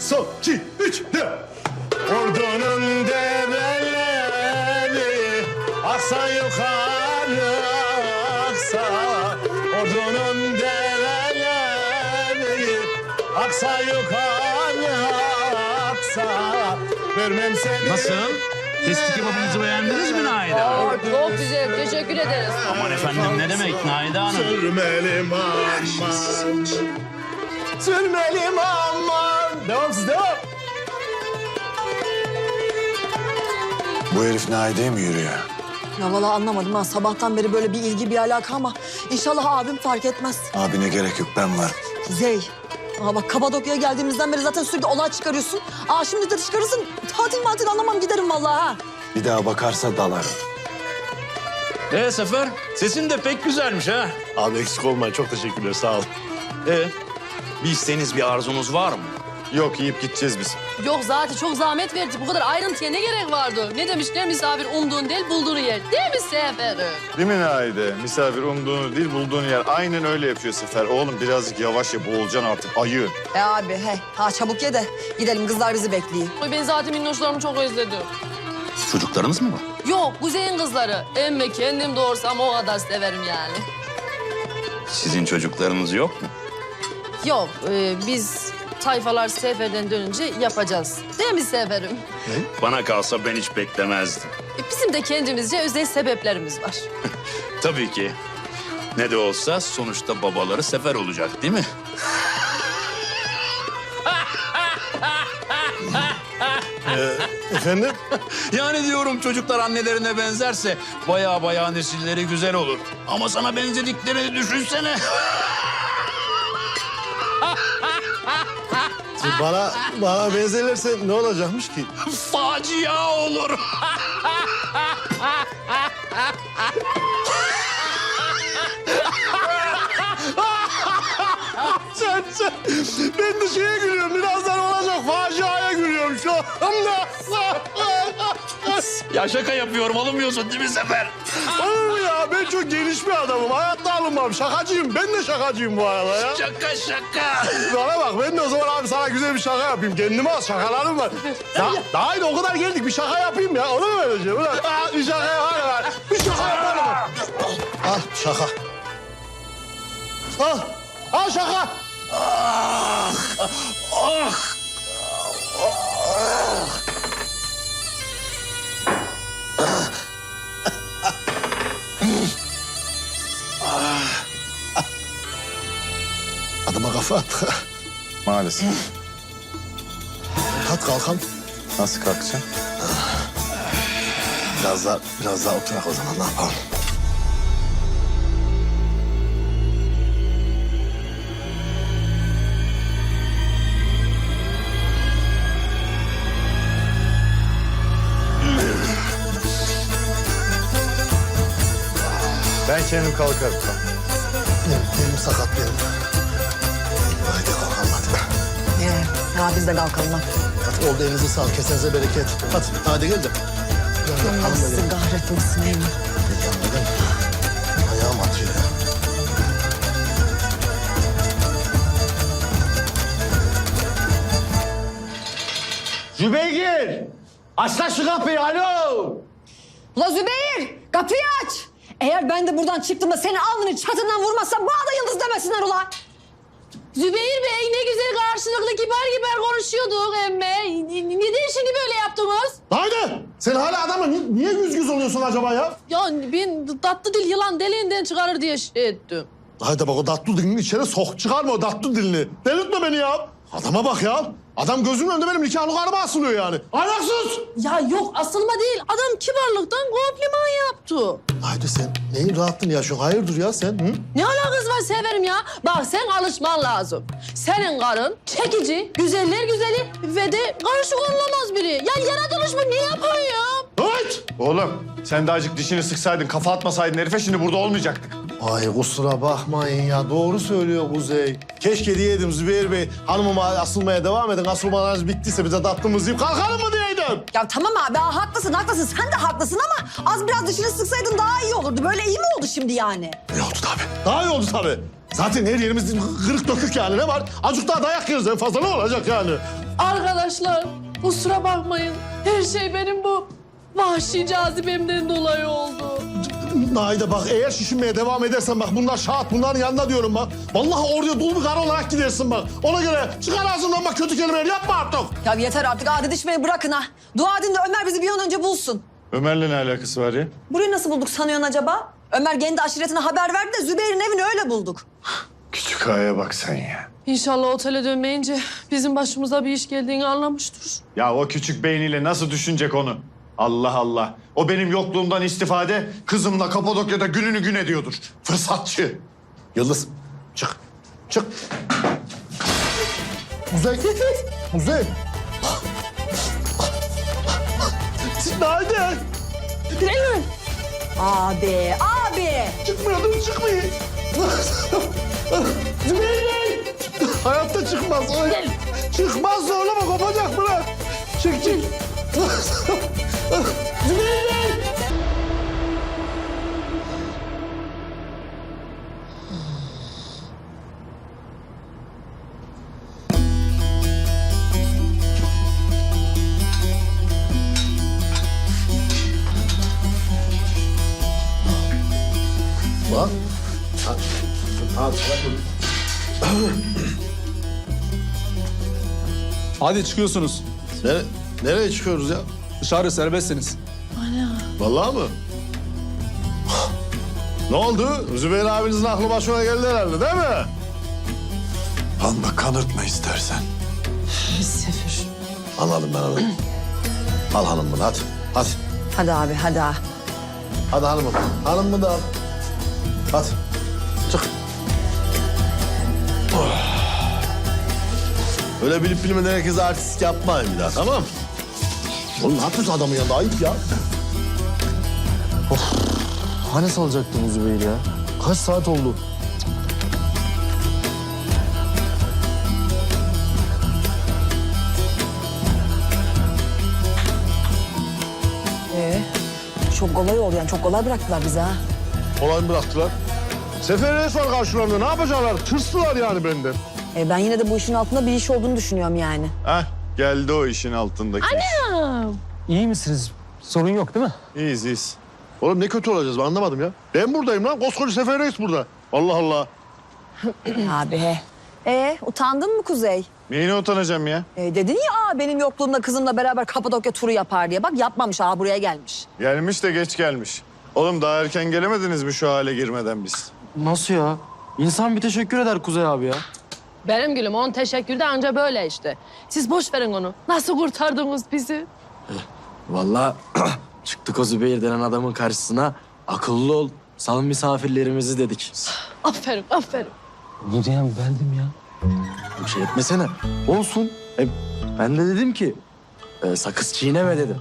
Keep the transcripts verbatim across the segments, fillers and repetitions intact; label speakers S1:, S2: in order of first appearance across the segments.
S1: sol, iki, üç, dört. Ordunun develeri aksa yukarı aksa. Ordunun develeri aksa yukarı aksa. Vermem seni.
S2: Nasıl? Testi kebabınızı beğendiniz mi Naide Hanım?
S3: Aa, çok güzel, teşekkür ederiz.
S2: Aman efendim ne demek Naide Hanım?
S1: Sürmelim aman. Sürmelim aman. Devam siz devam.
S4: Bu herif Naide'ye mi yürüyor?
S5: Ya vallahi anlamadım ha. Sabahtan beri böyle bir ilgi, bir alaka ama inşallah abim fark etmez.
S4: Abine gerek yok, ben varım.
S5: Kuzey. Aa bak Kapadokya'ya geldiğimizden beri zaten sürekli olay çıkarıyorsun. Aa şimdi de çıkarırsın. Tatil matil anlamam giderim vallahi ha.
S4: Bir daha bakarsa dalarım.
S2: Ee Sefer, sesin de pek güzelmiş ha.
S1: Abi eksik olmayın. Çok teşekkürler. Sağ ol.
S2: Ee, bir isteğiniz, bir arzunuz var mı?
S1: Yok yiyip gideceğiz biz.
S3: Yok zaten çok zahmet verdi. Bu kadar ayrıntıya ne gerek vardı? Ne demişler misafir umduğun değil bulduğunu yer. Değil mi Seferim?
S6: Değil mi Naide? Misafir umduğunu değil bulduğunu yer. Aynen öyle yapıyor Sefer. Oğlum birazcık yavaş ye, boğulacaksın artık. Ayı.
S5: E abi he. Ha çabuk ye de gidelim kızlar bizi bekliyor.
S3: Ay, ben zaten minnoşlarımı çok özledim.
S2: Çocuklarınız mı var?
S3: Yok Kuzey'in kızları. Emme kendim doğursam o kadar severim yani.
S2: Sizin çocuklarınız yok mu?
S3: Yok e, biz tayfalar seferden dönünce yapacağız. Değil mi Seferim?
S2: Bana kalsa ben hiç beklemezdim.
S3: E, bizim de kendimizce özel sebeplerimiz var.
S2: Tabii ki. Ne de olsa sonuçta babaları Sefer olacak değil mi?
S1: Efendim?
S2: Yani diyorum çocuklar annelerine benzerse baya baya nesilleri güzel olur. Ama sana benzediklerini düşünsene.
S1: Bana, bana benzerlerse ne olacakmış ki?
S2: Facia olur.
S1: Sen, sen. Ben de şeye gülüyorum. Birazdan olacak faciaya gülüyorum şu anda.
S2: Ya şaka yapıyorum, alınmıyorsun değil mi Sefer?
S1: Olur mu ya? Ben çok geniş bir adamım. Hayatta alınmam. Şakacıyım. Ben de şakacıyım bu arada ya.
S2: Şaka şaka.
S1: Bana bak ben de o zaman abi sana güzel bir şaka yapayım. Kendime az şakalarım var. Ya, daha iyi o kadar geldik. Bir şaka yapayım ya. Olur mu öyle şey? Ulan, aa, bir şaka yaparım. Bir şaka yaparım. Al şaka. Al. Al şaka.
S2: Ah, ah.
S1: Adama kafa at.
S6: Maalesef.
S1: Kalk kalkan.
S6: Nasıl kalkacaksın?
S1: Biraz daha, biraz daha oturak o zaman. Ne yapalım?
S6: Ben kendim kalkarım.
S1: Benim, benim sakat benim. Haydi kalkalım hadi.
S5: Ee, ya biz de kalkalım ha.
S1: Hadi oldu elinize sağlık. Kesenize bereket. Hadi, hadi gel de. Gel, gel,
S5: Allah
S1: hanım da
S5: sizi
S1: gel.
S5: kahretmesin.
S1: Gel yanıma gel. Ayağım atıyor ya. Zübeyir! Aç lan şu kapıyı, alo!
S5: Ula Zübeyir kapıyı aç. Eğer ben de buradan çıktığımda seni alnını çatından vurmazsam bana da yıldız demesinler ula.
S3: Zübeyir Bey ne güzel karşılıklı kibar kibar konuşuyorduk emme. Neden şimdi böyle yaptınız?
S1: Haydi! Sen hala adamla ni- niye yüz yüz oluyorsun acaba ya?
S3: Ya ben tatlı dil yılan deliğinden çıkarır diye şey ettim.
S1: Haydi bak o datlı dilini içeri sok. Çıkarma o datlı dilini. Delirtme beni ya. Adama bak ya. Adam gözümün önünde benim nikahlı karıma asılıyor yani. Ahlaksız!
S3: Ya yok asılma değil. Adam kibarlıktan kompliman yaptı.
S1: Haydi sen neyin rahatlığını yaşıyorsun? Hayırdır ya sen? Hı?
S3: Ne alakası var Severim ya? Bak sen alışman lazım. Senin karın çekici, güzeller güzeli ve de karışık olmaz biri. Ya yaratılış mı? Ne yapıyorsun?
S1: Evet!
S6: Oğlum sen de azıcık dişini sıksaydın, kafa atmasaydın herife şimdi burada olmayacaktık.
S1: Ay kusura bakmayın ya. Doğru söylüyor Kuzey. Keşke diyeydim Zübeyir Bey. Hanımıma asılmaya devam edin. Asılmalarınız bittiyse bize tatlımızı yiyip kalkalım mı diyeydim.
S5: Ya tamam abi ha, haklısın haklısın sen de haklısın ama az biraz dişini sıksaydın daha iyi olurdu. Böyle iyi mi oldu şimdi yani?
S1: İyi oldu tabii. Daha iyi oldu tabii. Zaten her yerimiz kırık dökük yani. Ne var? Azıcık daha dayak yeriz en fazla ne olacak yani?
S3: Arkadaşlar kusura bakmayın. Her şey benim bu vahşi cazibemden dolayı oldu.
S1: Naide bak eğer şişinmeye devam edersen bak bunlar şahat bunların yanında diyorum bak. Vallahi oraya dul bir karı olarak gidersin bak. Ona göre çıkar ağzından bak kötü kelimeler yapma artık.
S5: Ya yeter artık adi dişmeyi bırakın ha. Dua edin de Ömer bizi bir an önce bulsun.
S6: Ömer'le ne alakası var ya?
S5: Burayı nasıl bulduk sanıyorsun acaba? Ömer kendi aşiretine haber verdi de Zübeyir'in evini öyle bulduk.
S6: Küçük ağaya bak sen ya.
S3: İnşallah otele dönmeyince bizim başımıza bir iş geldiğini anlamıştır.
S6: Ya o küçük beyniyle nasıl düşünecek onu? Allah Allah. O benim yokluğumdan istifade kızımla Kapadokya'da gününü gün ediyordur. Fırsatçı.
S1: Yıldız çık. Çık. Kuzey. Kuzey. Naide.
S3: Gidelim.
S5: Abi, abi.
S1: Çıkmıyor dur çıkmayın. Zübeyir. Hayatta çıkmaz. Ay. Çıkmaz zorlama kopacak bırak. Çık çık. Zübeyir. Bak. Hadi, hadi.
S7: Hadi çıkıyorsunuz.
S1: Nere, nereye çıkıyoruz ya?
S7: Dışarı serbestsiniz.
S1: Vallahi mı? Ne oldu? Zübeyir abinizin aklı başına geldi herhalde değil mi?
S4: Alma kanırtma istersen.
S3: Sefer.
S1: Anladım ben onu. Al hanım bunu hadi. Hadi.
S5: Hadi abi, hadi ha.
S1: Hadi hanımım. Hanım bunu da al. Hadi. Çık. Oh. Öyle bilip bilmeden herkese artist yapmayın bir daha tamam mı? Oğlum ne yapıyorsun adamın yanında? Ayıp ya. Of. Hani salacaktın Zübeyir ya? Kaç saat oldu?
S5: Ee, çok kolay oldu yani. Çok kolay bıraktılar bizi ha.
S1: Kolay mı bıraktılar? Sefer Reis var karşılarında. Ne yapacaklar? Tırstılar yani benden.
S5: Ee, ben yine de bu işin altında bir iş olduğunu düşünüyorum yani.
S6: Heh, geldi o işin altındaki.
S8: İyi misiniz? Sorun yok değil mi?
S6: İyiyiz iyiyiz.
S1: Oğlum ne kötü olacağız ben anlamadım ya. Ben buradayım lan. Koskoca Sefer Reis burada. Allah Allah.
S5: Abi he. Ee, utandın mı Kuzey?
S6: Neyine utanacağım ya?
S5: Ee, dedin ya aa, benim yokluğumda kızımla beraber Kapadokya turu yapar diye. Bak yapmamış ha buraya gelmiş.
S6: Gelmiş de geç gelmiş. Oğlum daha erken gelemediniz mi şu hale girmeden biz?
S8: Nasıl ya? İnsan bir teşekkür eder Kuzey abi ya.
S3: Benim gülüm on teşekkür de anca böyle işte. Siz boş verin onu. Nasıl kurtardınız bizi?
S9: Vallahi çıktık o Zübeyir denen adamın karşısına. Akıllı ol, sal misafirlerimizi dedik.
S3: Aferin, aferin.
S8: Bunu diyen bendim ya.
S9: Bir şey etmesene. Olsun. E, ben de dedim ki e, sakız çiğneme dedim.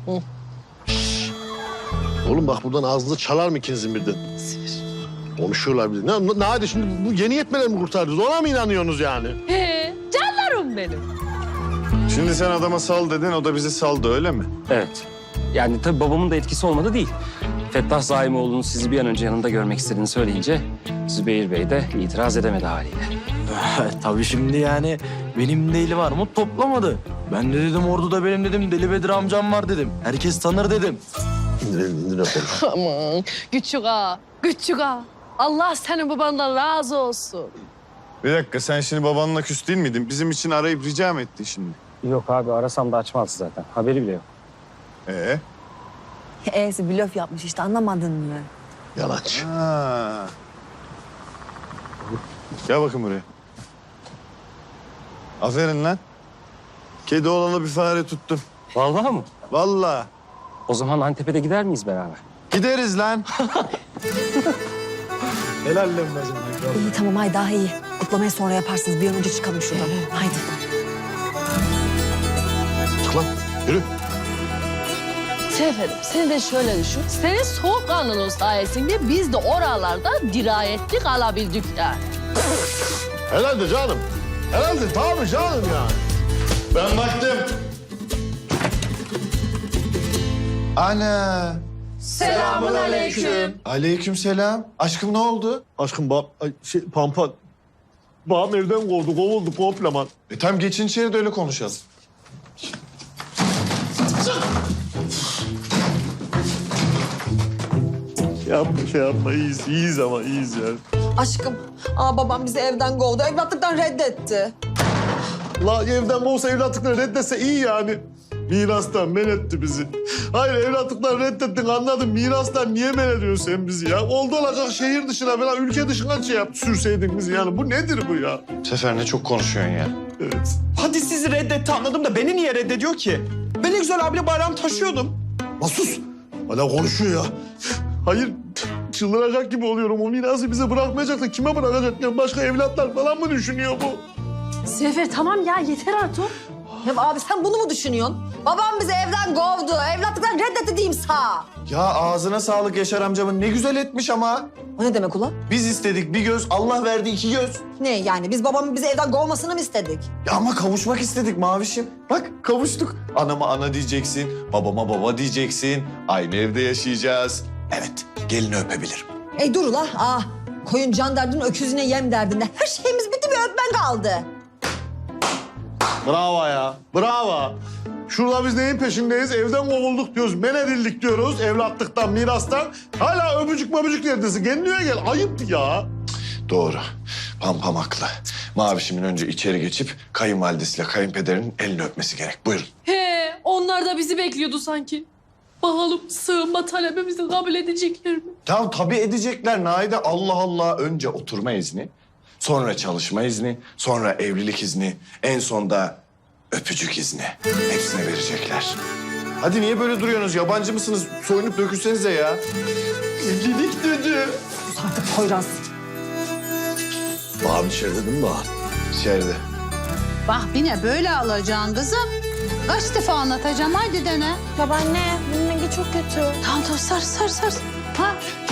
S1: Oğlum bak buradan ağzınızı çalar mı ikinizin birden? Konuşuyorlar bir de. Ne, ne, ne hadi şimdi bu yeni yetmeler mi kurtardınız? Ona mı inanıyorsunuz yani?
S3: He, canlarım benim.
S6: Şimdi sen adama sal dedin, o da bizi saldı öyle mi?
S8: Evet. Yani tabii babamın da etkisi olmadı değil. Fettah Zaimoğlu'nun sizi bir an önce yanında görmek istediğini söyleyince Zübeyir Bey de itiraz edemedi haliyle.
S9: Tabii şimdi yani benim de elim armut toplamadı. Ben de dedim orduda benim dedim Deli Bedir amcam var dedim. Herkes tanır dedim.
S1: İndirin, indirin konuş.
S3: Aman, küçük ağa, küçük ağa. Allah senin babandan razı olsun.
S6: Bir dakika, sen şimdi babanla küs değil miydin? Bizim için arayıp rica mı ettin şimdi?
S8: Yok abi arasam da açmaz zaten. Haberi bile yok.
S6: Ee?
S5: E'si blöf yapmış işte anlamadın mı?
S1: Yalancı.
S6: Ha. Gel bakın buraya. Aferin lan. Kedi oğlanı bir fare tuttum.
S8: Vallahi mı?
S6: Vallahi.
S8: O zaman Antep'e de gider miyiz beraber?
S6: Gideriz lan. Helal lan bacım.
S5: İyi tamam haydi daha iyi. Kutlamayı sonra yaparsınız. Bir an önce çıkalım şuradan. Haydi.
S1: Çık lan. Yürü.
S3: Seferim, sen de şöyle düşün. Senin soğukkanlılığın sayesinde biz de oralarda dirayetli kalabildik yani.
S1: Herhalde canım. Herhalde tabii canım ya.
S6: Ben baktım. Ana.
S3: Selamun aleyküm.
S6: Aleykümselam. Aşkım ne oldu?
S1: Aşkım bab, ay, şey, Pampa. Babam evden kovdu, kovuldu komple.
S6: E tamam geçin içeri de öyle konuşalım.
S1: Şey yapma, şey yapma. İyiyiz, iyiyiz ama iyiyiz yani.
S5: Aşkım, aa babam bizi evden kovdu. Evlatlıktan reddetti.
S1: La evden kovsa evlatlıkları reddetse iyi yani. Mirastan men etti bizi. Hayır evlatlıkları reddettin anladım. Mirastan niye men ediyorsun sen bizi ya? Oldu olacak şehir dışına falan ülke dışına şey yap, sürseydin bizi yani. Bu nedir bu ya?
S6: Sefer ne çok konuşuyorsun ya.
S1: Evet.
S10: Hadi sizi reddetti anladım da beni niye reddediyor ki? Ben ne güzel abiyle bayram taşıyordum.
S1: La sus. Hala konuşuyor ya. Hayır çıldıracak gibi oluyorum. O mirası bize bırakmayacak da kime bırakacak? Ya başka evlatlar falan mı düşünüyor bu?
S3: Sefer tamam ya yeter artık.
S5: Ya abi sen bunu mu düşünüyorsun? Babam bizi evden kovdu. Evlatlıktan reddetti diyeyim sağ.
S6: Ya ağzına sağlık Yaşar amcamın. Ne güzel etmiş ama.
S5: O ne demek ulan?
S6: Biz istedik bir göz, Allah verdi iki göz.
S5: Ne yani biz babamın bizi evden kovmasını mı istedik?
S6: Ya ama kavuşmak istedik Mavişim. Bak kavuştuk. Anama ana diyeceksin, babama baba diyeceksin. Aynı evde yaşayacağız. Evet, gelini öpebilirim.
S5: Ey dur ula. Aa, koyun can derdin, öküzüne yem derdinde. Her şeyimiz bitti, bir öpmen kaldı.
S1: Bravo ya. Bravo. Şurada biz neyin peşindeyiz? Evden kovulduk diyoruz, men edildik diyoruz. Evlatlıktan, mirastan. Hala öpücük möpücük neredesin? Kendine gel. Ayıp ya.
S6: Doğru. Pampam haklı. Mavişimin önce içeri geçip kayınvalidesiyle kayınpederinin elini öpmesi gerek. Buyurun.
S3: He, onlar da bizi bekliyordu sanki. Bakalım sığınma talebimizi kabul edecekler mi?
S6: Ya tabii edecekler Naide. Allah Allah. Önce oturma izni, sonra çalışma izni, sonra evlilik izni, en son da öpücük izni. Hepsine verecekler. Hadi niye böyle duruyorsunuz? Yabancı mısınız? Soyunup dökülsenize ya. Evlilik dedi.
S5: Sus artık Poyraz.
S1: Bağım içeride değil mi Bağım?
S6: İçeride.
S11: Bak yine böyle alacaksın kızım. Kaç defa anlatacağım haydi dene.
S3: Babaanne, bunun rengi çok kötü.
S11: Tamam tamam sar sar sar. Ha?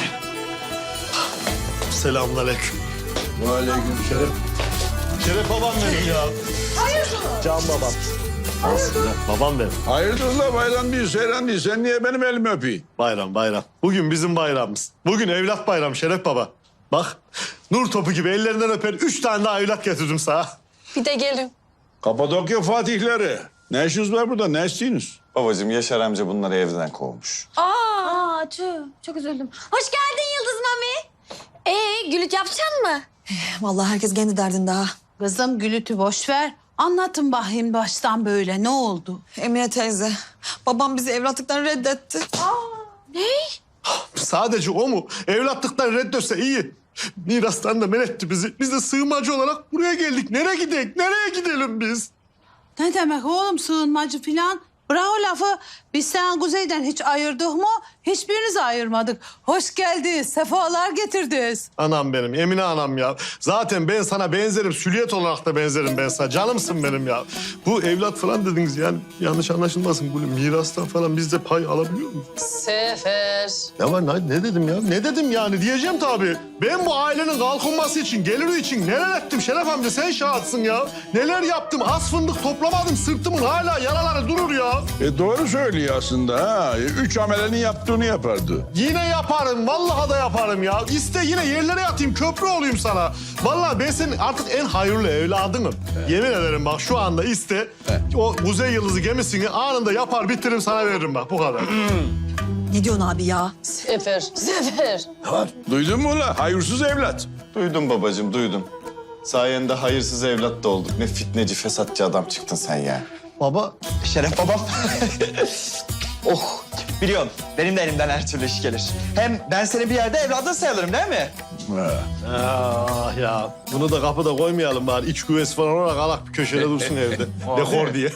S1: Selamünaleyküm.
S6: Aleyküm
S1: Şeref. Şeref babam benim ya. Hayırdır? Can babam. Aslında babam benim.
S12: Hayırdır la bayram değil, seyran değil. Sen niye benim elimi öpeyim?
S1: Bayram bayram. Bugün bizim bayramımız. Bugün evlat bayram Şeref baba. Bak nur topu gibi ellerinden öper üç tane daha evlat getirdim sana.
S3: Bir de gelin.
S12: Kapadokya fatihleri. Ne işiniz var burada, ne istiyorsunuz?
S6: Babacığım Yaşar amca bunları evden kovmuş.
S3: Aa, tüh, çok üzüldüm. Hoş geldin Yıldız Mami. Ee, gülüt yapacaksın mı?
S5: Vallahi herkes kendi derdinde ha.
S11: Kızım gülütü boş ver. Anlatın bakayım baştan böyle ne oldu?
S5: Emine teyze, babam bizi evlatlıktan reddetti.
S1: Sadece o mu? Evlatlıktan reddetse iyi. Mirastan da men etti bizi. Biz de sığınmacı olarak buraya geldik. Nereye gidelim? Nereye gidelim biz?
S11: Ne demek oğlum sığınmacı filan? Bırak o lafı. Biz sen Kuzey'den hiç ayırdık mı? Hiçbirinizi ayırmadık. Hoş geldiniz, sefalar getirdiniz.
S1: Anam benim, Emine anam ya. Zaten ben sana benzerim, süliyet olarak da benzerim ben sana. Canımsın benim ya. Bu evlat falan dediniz yani yanlış anlaşılmasın. Bu mirastan falan biz de pay alabiliyor muyuz?
S3: Sefer.
S1: Ya var ne, ne dedim ya? Ne dedim yani? Diyeceğim tabii. Ben bu ailenin kalkınması için, geliri için neler ettim Şeref amca sen şahatsın ya. Neler yaptım? Az fındık toplamadım. Sırtımın hala yaraları durur ya.
S12: E doğru söylüyor aslında ha. Üç amelenin yaptığını yapardı.
S1: Yine yaparım. Vallahi da yaparım ya. İste yine yerlere yatayım. Köprü olayım sana. Vallahi ben senin artık en hayırlı evladınım. Yemin ederim bak şu anda iste. O Kuzey Yıldızı gemisini anında yapar bitiririm sana veririm bak bu kadar.
S5: Ne diyorsun abi ya?
S3: Sefer, Sefer.
S12: Duydun mu la? Hayırsız evlat.
S6: Duydum babacığım, duydum. Sayende hayırsız evlat da olduk. Ne fitneci, fesatçı adam çıktın sen ya.
S1: Baba
S10: Şeref babam. Oh, biliyorum. Benim de elimden her türlü iş gelir. Hem ben senin bir yerde evladın sayılırım değil mi?
S12: Ha.
S1: ah ya bunu da kapıda koymayalım bari. İç güvesi falan olarak alak bir köşede dursun evde. Dekor diye.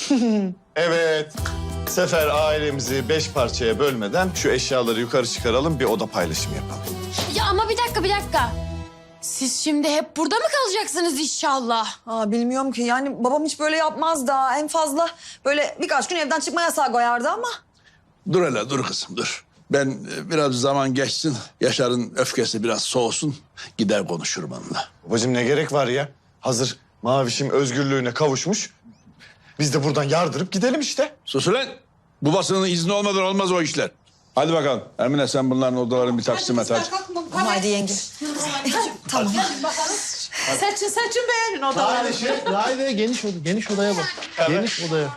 S6: Evet. Sefer ailemizi beş parçaya bölmeden şu eşyaları yukarı çıkaralım, bir oda paylaşımı yapalım.
S3: Ya ama bir dakika, bir dakika. Siz şimdi hep burada mı kalacaksınız inşallah?
S5: Aa, bilmiyorum ki yani babam hiç böyle yapmaz da en fazla böyle birkaç gün evden çıkma yasağı koyardı ama.
S12: Dur hele, dur kızım, dur. Ben e, biraz zaman geçsin, Yaşar'ın öfkesi biraz soğusun, gider konuşurum onunla.
S6: Babacığım ne gerek var ya? Hazır Mavişim özgürlüğüne kavuşmuş. Biz de buradan yardırıp gidelim işte.
S12: Sus ulan! Babasının izni olmadan olmaz o işler. Hadi bakalım. Emine sen bunların odalarını bir taksim et hadi.
S5: Ama haydi yenge. Tamam.
S11: Seçin seçin beğenin odaları.
S1: Haydi şey, haydi geniş oda, geniş odaya bak. Geniş odaya.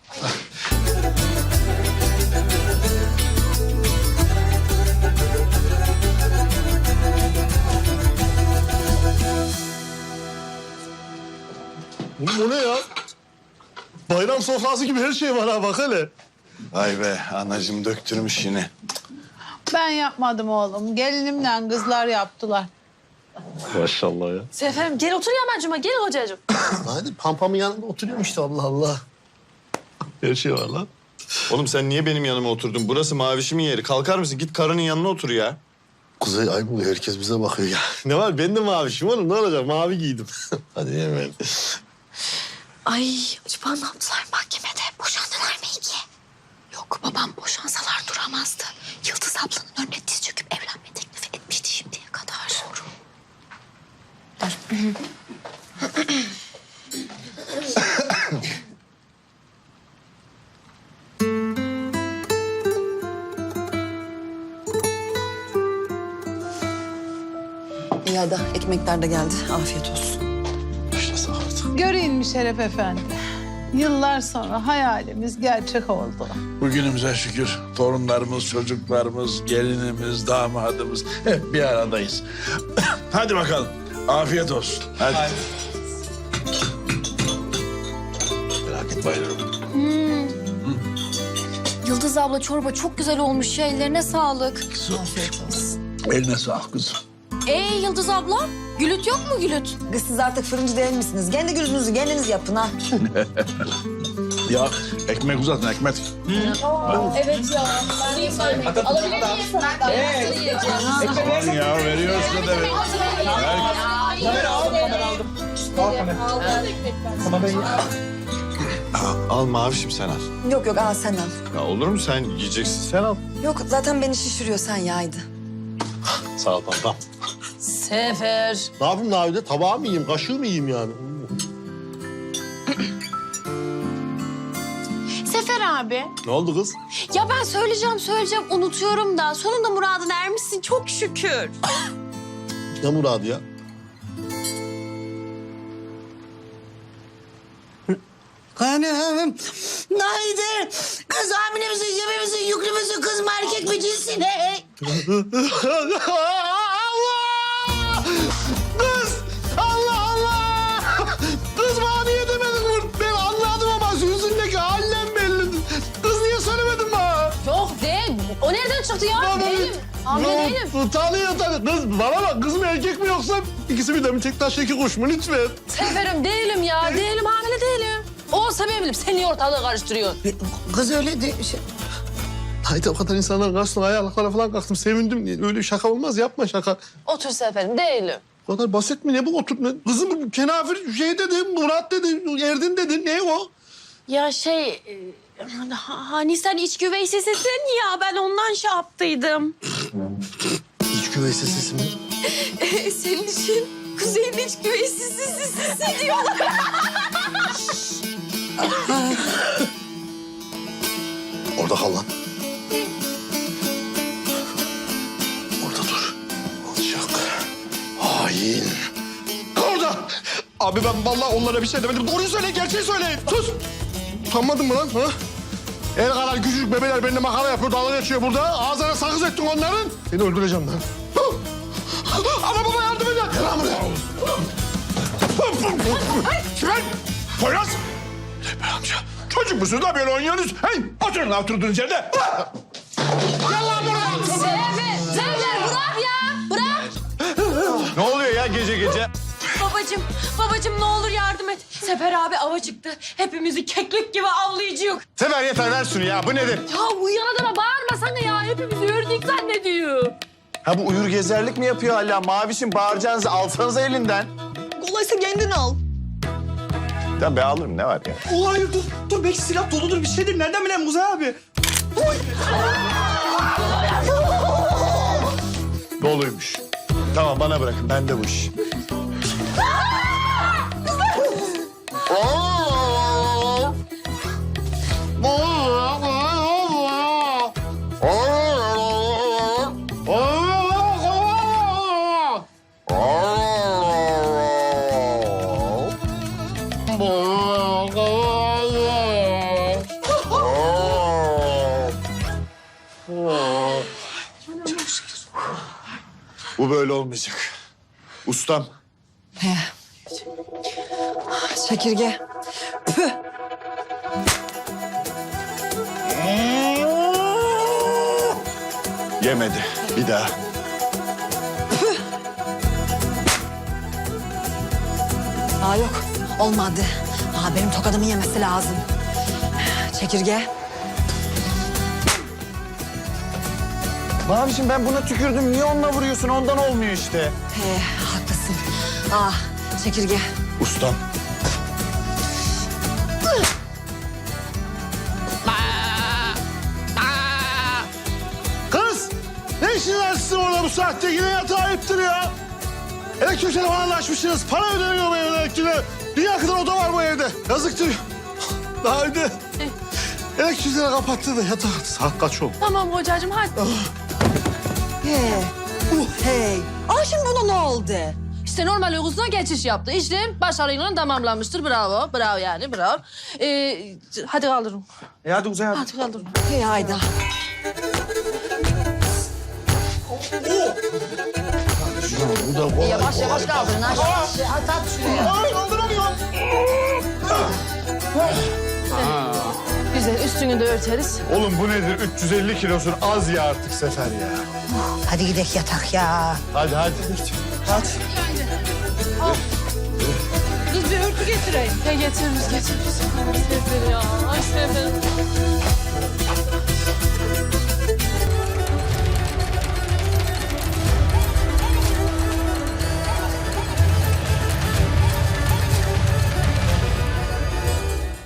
S1: Bu, bu ne ya? Bayram sofrası gibi her şey var ha bak hele.
S6: Vay be anacığım döktürmüş yine.
S11: Ben yapmadım oğlum. Gelinimle kızlar yaptılar.
S1: Maşallah ya.
S3: Seferim gel otur yamacıma gel hocacığım.
S1: Hadi pampamın yanında oturuyorum işte Allah Allah. Her şey var lan.
S4: Oğlum sen niye benim yanıma oturdun? Burası Mavişimin yeri. Kalkar mısın? Git karının yanına otur ya.
S1: Kuzey ay bu herkes bize bakıyor ya. Ne var ben de mavişim oğlum ne olacak mavi giydim. Hadi hemen.
S3: Ay acaba ne yaptılar mahkemede? Boşandılar mı iki? Yok babam boşansalar duramazdı. Yıldız ablanın önüne diz çöküp evlenme teklifi etmişti şimdiye kadar. Doğru.
S5: İyi hadi ekmekler de geldi. Afiyet olsun.
S1: Başlasak artık.
S11: Göreyim mi Şeref Efendi? Yıllar sonra hayalimiz gerçek oldu.
S12: Bugünümüze şükür torunlarımız, çocuklarımız, gelinimiz, damadımız hep bir aradayız. Hadi bakalım. Afiyet olsun. Hadi. Merak etme bayılırım.
S3: Yıldız abla çorba çok güzel olmuş ya ellerine sağlık.
S5: Afiyet olsun.
S12: Eline sağlık kızım.
S3: Ee Yıldız abla gülüt yok mu gülüt?
S5: Kız siz artık fırıncı değil misiniz? Kendi gülünüzü kendiniz yapın ha.
S12: Ya ekmek uzatın ekmek.
S3: Evet ya. Alabilir miyim?
S12: Aman ya veriyoruz da ver.
S4: Al Mavişim sen al.
S5: Yok yok al sen al.
S4: Ya olur mu sen yiyeceksin sen al.
S5: Yok zaten beni şişiriyor sen yaydı.
S1: Sağ ol pampam.
S3: Sefer.
S1: Ne yapayım Navide? Tabağı mı yiyeyim, kaşığı mı yiyeyim yani?
S3: Sefer abi.
S1: Ne oldu kız?
S3: Ya ben söyleyeceğim söyleyeceğim unutuyorum da sonunda muradına ermişsin çok şükür.
S1: Ne muradı ya?
S13: Hanım, haydi. Kız hamile misin, gebe misin, yüklü müsün, kız mı erkek mi cinsi ne?
S1: Allah! Kız! Allah Allah! Kız bana niye demedin bunu? Ben anladım ama yüzündeki hallem belli. Kız niye söylemedin bana?
S3: Yok değil. O nereden çıktı ya?
S1: Bana-
S3: Değilim. Hamile değilim.
S1: Tanıyor tanıyor. Kız bana bak kız mı erkek mi yoksa ikisi bir de mi tek taş iki kuş mu lütfen?
S3: Seferim değilim ya. Değilim hamile değilim. Olsa ben bilirim. Sen niye ortalığı karıştırıyorsun?
S13: Kız öyle de şey.
S1: Haydi o kadar insanların karşısına ayaklara falan kalktım. Sevindim. Öyle şaka olmaz. Yapma şaka.
S3: Otur Seferim değilim.
S1: O kadar basit mi? Ne bu otur? Ne? Kızım kenafir şey dedi, Murat dedi, Erdin dedi. Ne o?
S3: Ya şey... e, ha- Hani sen iç güveysesisin ya. Ben ondan şey yaptıydım.
S1: İç güveysi sesi mi?
S3: Senin için Kuzey'in iç güveysesi diyorlar.
S1: Orada kal lan. Orada dur. Alçak. Hain. Orada. Abi ben vallahi onlara bir şey demedim. Doğruyu söyle, gerçeği söyleyin. Sus. Utanmadın mı lan? Ha? El kadar küçücük bebeler benimle makara yapıyor, dalga geçiyor burada. Ağzına sakız ettin onların. Seni öldüreceğim lan. Ana baba yardım edin. Gel lan buraya. Kimin? Poyraz. Tepe amca.
S12: Çocuk musunuz da böyle oynuyorsunuz? Hey, oturun lan oturduğunuz yerde.
S1: Gel lan buraya.
S3: Sefer, Sefer bırak ya. Bırak.
S4: Ne oluyor ya gece gece?
S3: Babacım, babacım ne olur yardım et. Sefer abi ava çıktı. Hepimizi keklik gibi avlayacak.
S4: Sefer yeter ver şunu ya. Bu nedir?
S3: Ya uyuyan adama bağırmasana ya. Hepimizi ördük zannediyor.
S6: Ha bu uyur gezerlik mi yapıyor hala? Mavişim bağıracağınızı alsanıza elinden.
S5: Kolaysa kendin al.
S6: Ya be alırım ne var ya?
S9: Oh, hayır dur. Dur belki silah doludur bir şeydir. Nereden bileyim Kuzey abi?
S4: Doluymuş. Tamam bana bırakın. Bende bu iş.
S1: Allah! Allah! Allah!
S6: Bu böyle olmayacak. Ustam.
S5: He. Çekirge. Püh.
S6: Yemedi. Bir daha.
S5: Aa yok. Olmadı. Aa benim tokadımı yemesi lazım. Çekirge.
S6: Mavişim ben buna tükürdüm. Niye onunla vuruyorsun? Ondan olmuyor işte.
S5: He haklısın. Aa çekirge.
S6: Ustam.
S1: Kız! Ne işin var sizin orada bu saatte? Yine yatağa ayıptır ya. Elektrik telefonunu açmışsınız. Para ödeniyor bu evde elektriğe. Dünya kadar oda var bu evde. Yazıktır. Daha önce elektrikleri kapattı da yatağa. Saat kaç oldu?
S3: Tamam hocacığım hadi.
S5: He. Hey. Aa şimdi ona ne oldu?
S3: İşte normal uykusuna geçiş yaptı. İşlem başarıyla tamamlanmıştır. Bravo. Bravo yani bravo. Ee, hadi kaldırın.
S10: E hadi uzay hadi.
S3: Hadi kaldırın.
S5: Hey Ayda.
S3: Yavaş yavaş kaldırın. Aç, aç, aç, aç şuraya.
S1: Ay kaldıramıyorum.
S3: Güzel üstünü de örteriz.
S1: Oğlum bu nedir? üç yüz elli kilosun az ya artık Sefer ya.
S13: Hadi gidelim yatak ya.
S1: Hadi hadi.
S5: Hadi.
S3: Kız bir örtü getireyim. Ya getiririz getiririz. Sefer ya. Ay Sefer.